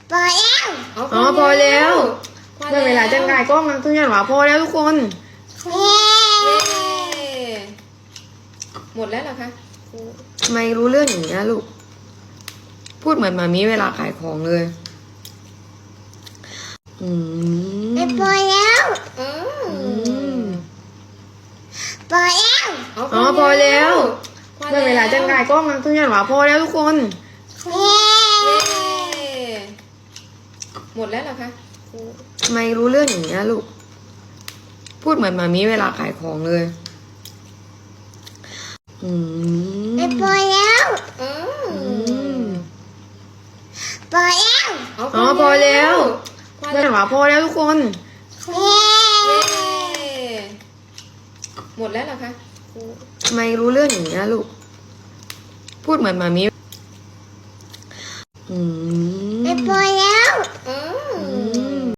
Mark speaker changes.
Speaker 1: พอแล้ว
Speaker 2: อ๋อพอแล้วได้เวลาจะกายกล้องแล้วทุกอย่างหวาพอแล้วทุกคน
Speaker 1: เย้
Speaker 3: หมดแล้วเหรอคะ
Speaker 2: ทำไมรู้เรื่องอย่างนี้ยลูกพูดเหมือนหมามีเวลาขายของเลย
Speaker 1: พอแล้ว
Speaker 3: เออ
Speaker 1: พอแล้ว
Speaker 2: อ๋อพอแล้วได้เวลาจะกายกล้องแล้วทุกอย่างหวาพอแล้วทุกคน
Speaker 1: เย้
Speaker 3: หมดแล้วเหรอคะ
Speaker 2: ทำไมรู้เรื่องอย่างนี้ยลูกพูดเหมือนหมามีเวลาขายของเลย
Speaker 1: พอแล้ว
Speaker 3: เออ
Speaker 1: พอแล้ว
Speaker 2: อ๋อพอแล้วได้หวาพอแล้วทุกคน
Speaker 1: เย้
Speaker 3: หมดแล้วเหรอคะ
Speaker 2: ทำไมรู้เรื่องอย่างนี้ยลูกพูดเหมือนหมามี